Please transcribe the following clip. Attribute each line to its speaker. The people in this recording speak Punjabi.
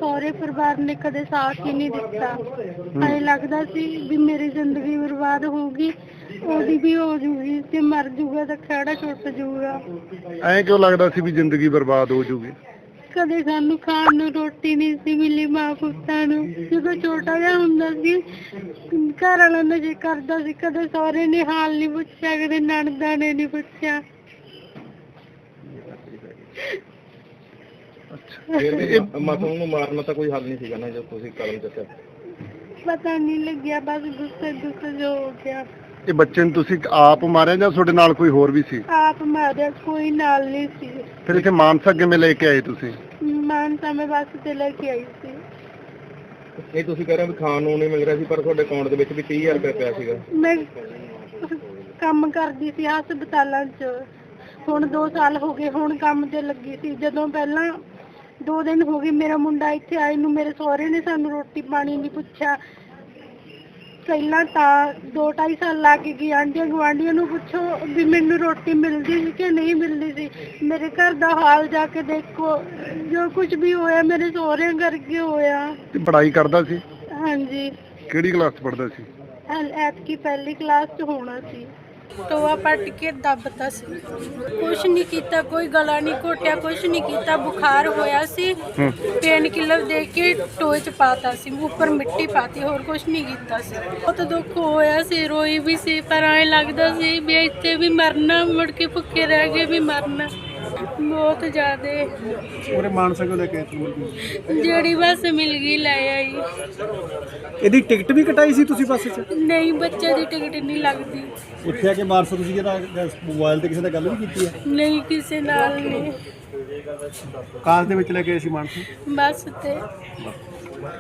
Speaker 1: ਸਹੁਰੇ ਪਰਿਵਾਰ ਨੇ ਕਦੇ ਸਾਥ ਹੀ ਨਹੀਂ ਦਿੱਤਾ। ਐਂ ਲੱਗਦਾ ਸੀ ਵੀ ਮੇਰੀ ਜ਼ਿੰਦਗੀ ਬਰਬਾਦ ਹੋਊਗੀ, ਉਹਦੀ ਵੀ ਹੋ ਜੂਗੀ, ਤੇ ਮਰ ਜੂਗਾ ਤਾਂ ਖਹਿੜਾ ਛੁੱਟ ਜੂਗਾ।
Speaker 2: ਐਂ ਕਿਉਂ ਲੱਗਦਾ ਸੀ ਵੀ ਜ਼ਿੰਦਗੀ ਬਰਬਾਦ ਹੋ ਜੂਗੀ?
Speaker 1: ਕਦੇ ਸਾਨੂੰ ਖਾਣ ਨੂੰ ਰੋਟੀ ਨਹੀਂ ਸੀ ਮਿਲੀ ਮਾਂ ਪੁੱਤਾਂ ਨੂੰ। ਜਦੋਂ ਛੋਟਾ ਜਿਹਾ ਹੁੰਦਾ ਸੀ ਘਰ ਵਾਲਾ ਨਸ਼ੇ ਕਰਦਾ ਸੀ, ਕਦੇ ਸਹੁਰੇ ਨੇ ਹਾਲ ਨਹੀਂ ਪੁੱਛਿਆ, ਕਦੇ ਨਣਦਾਂ ਨੇ ਨਹੀਂ ਪੁੱਛਿਆ।
Speaker 3: ਫਿਰ ਵੀ ਮਾਸੂਮ ਨੂੰ ਮਾਰਨਾ ਤਾਂ ਕੋਈ ਹੱਲ ਨਹੀਂ ਸੀਗਾ ਨਾ, ਜਦ ਤੁਸੀਂ ਕਦਮ ਚੱਕਿਆ?
Speaker 1: ਪਤਾ ਨਹੀਂ ਲੱਗਿਆ, ਬਸ ਗੁੱਸੇ ਜੋ ਹੋ ਗਿਆ।
Speaker 2: ਇਹ ਬੱਚੇ ਨੂੰ ਤੁਸੀਂ ਆਪ ਮਾਰਿਆ ਜਾਂ ਤੁਹਾਡੇ ਨਾਲ ਕੋਈ ਹੋਰ ਵੀ ਸੀ?
Speaker 1: ਆਪ ਮਾਰਿਆ, ਕੋਈ ਨਾਲ ਨਹੀਂ ਸੀ।
Speaker 2: ਫਿਰ ਇੱਥੇ ਮਾਨਸਾ ਕਿਵੇਂ ਲੈ ਕੇ ਆਏ ਤੁਸੀਂ?
Speaker 1: ਮਾਨਸਾ ਮੈਂ ਬੱਸ ਤੇ ਲੈ ਕੇ ਆਈ ਸੀ।
Speaker 3: ਇਹ ਤੁਸੀਂ ਕਹਿ ਰਹੇ ਹੋ ਵੀ ਖਾਣ ਨੂੰ ਨਹੀਂ ਮਿਲ ਰਿਹਾ ਸੀ, ਪਰ ਤੁਹਾਡੇ ਅਕਾਊਂਟ ਦੇ ਵਿੱਚ ਵੀ 30,000 ਰੁਪਏ ਪਿਆ ਸੀਗਾ।
Speaker 1: ਮੈਂ ਕੰਮ ਕਰਦੀ ਸੀ ਹਸਪਤਾਲਾਂ 'ਚ, ਹੁਣ 2 ਸਾਲ ਹੋ ਗਏ ਹੁਣ ਕੰਮ ਤੇ ਲੱਗੀ ਸੀ। ਜਦੋਂ ਪਹਿਲਾਂ 2 ਦਿਨ ਹੋ ਗਏ ਮੇਰਾ ਮੁੰਡਾ ਇੱਥੇ ਆਏ ਨੂੰ, ਮੇਰੇ ਸਹੁਰੇ ਨੇ ਸਾਨੂੰ ਰੋਟੀ ਪਾਣੀ ਨਹੀਂ ਪੁੱਛਿਆ। ਪਹਿਲਾਂ ਤਾਂ 2-2.5 ਸਾਲ ਲੱਗ ਗਏ ਆਂਢੀਆਂ ਗੁਆਂਢੀਆਂ ਨੂੰ ਪੁੱਛੋ ਵੀ ਮੈਨੂੰ ਰੋਟੀ ਮਿਲਦੀ ਸੀ ਕਿ ਨਹੀਂ ਮਿਲਦੀ ਸੀ। ਮੇਰੇ ਘਰ ਦਾ ਹਾਲ ਜਾ ਕੇ ਦੇਖੋ, ਜੋ ਕੁਝ ਵੀ ਹੋਇਆ ਮੇਰੇ ਸਹੁਰਿਆਂ ਕਰਕੇ ਹੋਇਆ।
Speaker 2: ਤੇ ਪੜ੍ਹਾਈ ਕਰਦਾ ਸੀ?
Speaker 1: ਹਾਂਜੀ।
Speaker 2: ਕਿਹੜੀ ਕਲਾਸ 'ਚ ਪੜ੍ਹਦਾ ਸੀ?
Speaker 1: ਐਤਕੀ ਪਹਿਲੀ ਕਲਾਸ 'ਚ ਹੋਣਾ ਸੀ। ਟੋਆ ਪੱਟ ਕੇ ਦੱਬਤਾ ਸੀ, ਕੁਛ ਨਹੀਂ ਕੀਤਾ, ਕੋਈ ਗਲਾ ਨਹੀਂ ਘੋਟਿਆ, ਕੁਛ ਨਹੀਂ ਕੀਤਾ। ਬੁਖਾਰ ਹੋਇਆ ਸੀ, ਪੇਨ ਕਿਲਰ ਦੇ ਕੇ ਟੋਏ 'ਚ ਪਾਤਾ ਸੀ, ਉੱਪਰ ਮਿੱਟੀ ਪਾਤੀ, ਹੋਰ ਕੁਛ ਨਹੀਂ ਕੀਤਾ ਸੀ। ਬਹੁਤ ਦੁੱਖ ਹੋਇਆ ਸੀ, ਰੋਈ ਵੀ ਸੀ, ਪਰ ਐਂ ਲੱਗਦਾ ਸੀ ਵੀ ਇੱਥੇ ਵੀ ਮਰਨਾ, ਮੁੜ ਕੇ ਭੁੱਖੇ ਰਹਿ ਕੇ ਵੀ ਮਰਨਾ। ਬਹੁਤ ਜ਼ਿਆਦਾ
Speaker 2: ਉਹਰੇ ਮਾਨਸਾ ਕਿਉਂ ਲੈ ਕੇ
Speaker 1: ਜਿਹੜੀ ਬੱਸ ਮਿਲ ਗਈ ਲੈ ਆਈ।
Speaker 2: ਇਹਦੀ ਟਿਕਟ ਵੀ ਕਟਾਈ ਸੀ ਤੁਸੀਂ ਬੱਸ 'ਚ?
Speaker 1: ਨਹੀਂ, ਬੱਚੇ ਦੀ ਟਿਕਟ ਨਹੀਂ ਲੱਗਦੀ।
Speaker 2: ਉੱਥੇ ਆ ਕੇ ਮਾਨਸਾ ਤੁਸੀਂ ਜਿਹੜਾ ਮੋਬਾਈਲ ਤੇ ਕਿਸੇ ਨਾਲ ਗੱਲ ਵੀ ਕੀਤੀ ਹੈ?
Speaker 1: ਨਹੀਂ, ਕਿਸੇ ਨਾਲ ਨਹੀਂ।
Speaker 2: ਕਾਰ ਦੇ ਵਿੱਚ ਲੈ ਕੇ ਆਏ ਸੀ ਮਾਨਸਾ?
Speaker 1: ਬੱਸ ਤੇ।